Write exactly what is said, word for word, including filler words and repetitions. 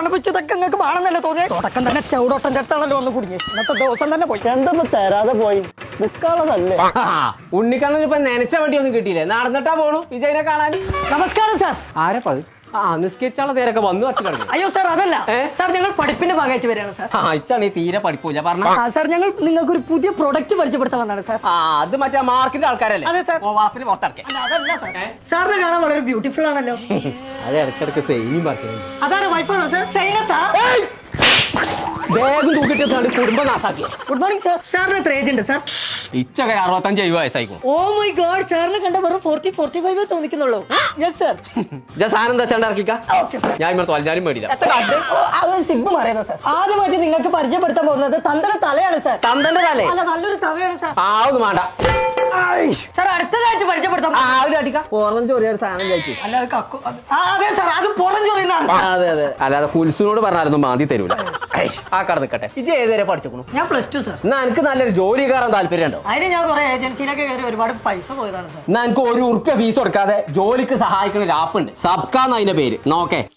പറഞ്ഞപ്പോ ഇതൊക്കെ നിങ്ങൾക്ക് വേണമെന്നല്ലേ തോന്നിയ തുടക്കം തന്നെ ചവിടോട്ടന്റെ അടുത്താണല്ലോ വന്ന് കുടുങ്ങി ഇന്നത്തെ ദിവസം തന്നെ പോയി എന്താ തരാതെ പോയി ബുക്കാളതല്ലേ ഉണ്ണിക്കണ്ണൻ ഇപ്പൊ നനച്ച വണ്ടി ഒന്നും കിട്ടിയില്ലേ നടന്നിട്ടാ പോണു വിജയനെ കാണാൻ. നമസ്കാരം സാർ. ആരപ്പ ആ നിസ്കരിച്ചാളെ നേരൊക്കെ വന്നു വച്ചു കിടന്നു. അയ്യോ സാർ അതല്ല സാർ, ഞങ്ങൾ പഠിപ്പിന്റെ ഭാഗമായിട്ട് വരികയാണ് സാർ. ആ ഇച്ചാണ് ഈ തീരെ പഠിക്കൂല പറഞ്ഞ സാർ ഞങ്ങൾ നിങ്ങൾക്ക് ഒരു പുതിയ പ്രൊഡക്റ്റ് പരിചയപ്പെടുത്താൻ വന്നതാണ് സാർ. ആ അത് മറ്റേ മാർക്കിന്റെ ആൾക്കാരല്ലേ? അതെ സാർ. വാപ്പിന് പുറത്തിറക്കി. അതല്ല സാർ, സാറിനെ കാണാൻ വളരെ ബ്യൂട്ടിഫുൾ ആണല്ലോ. അത് ഇടയ്ക്കിടയ്ക്ക് സെയിം പറഞ്ഞു. അതാണ് വൈഫാണോ സാർ? ചൈനത്താ വേഗം തൂക്കിട്ട് കുടുംബം നാസാക്കി. Good morning sir. സാറിന് എത്ര ഏജ് ഉണ്ട് സാർ? ഇച്ചൊക്കെ അറുപത്തഞ്ച് എഴുപത് വയസ്സായിക്കും. ഓ മൈ ഗോഡ്, സാറിന് കണ്ട വെറും ഫോർട്ടി ഫോർട്ടി ഫൈവ് തോന്നിക്കുന്നുള്ളൂ. Yes sir. സാധനം എന്താ വെച്ചാൽ ഇറക്കിക്ക. ഞാൻ ഇവിടെ തോൽഞ്ഞാലും മേടില്ല. സിഗ്മ പറയുന്നത് സാർ. ആദ്യമായിട്ട് നിങ്ങൾക്ക് പരിചയപ്പെടുത്താൻ പോകുന്നത് തന്തയുടെ തലയാണ് സാർ. തന്തന്റെ തലേ? അല്ല, നല്ലൊരു തവയാണ് സാർ. ആ ഒന്നും വേണ്ട സാർ. അടുത്തതായിട്ട് പരിചയപ്പെടുത്താം. ആ ഒരു അടിക്ക പുറം ചൊറിയ സാധനം കഴിച്ചു. അല്ല അത് കക്കു. അതെ സാർ, അത് പുറം ചൊറിയുന്നതാണ്. അതെ അതെ, അല്ലാതെ കുൽസുനോട് പറഞ്ഞാലൊന്നും മാന്തി തരൂല. ആ കട നിൽക്കട്ടെ. ഇജ് ഏതുവരെ പഠിച്ചു? ഞാൻ പ്ലസ് ടു സാർ. എന്നാ എനിക്ക് നല്ലൊരു ജോലി കയറാൻ താല്പര്യം ഉണ്ടോ? അതിന് ഞാൻ കുറെ ഏജൻസിയിലൊക്കെ കയറി ഒരുപാട് പൈസ പോയതാണ് സാർ. എന്നാ എനിക്ക് ഒരു ഉറുപ്പ്യ ഫീസ് കൊടുക്കാതെ ജോലിക്ക് സഹായിക്കുന്ന ഒരു ആപ്പ് ഉണ്ട്. സബ്കാന്ന് അതിന്റെ പേര്. നോക്കേ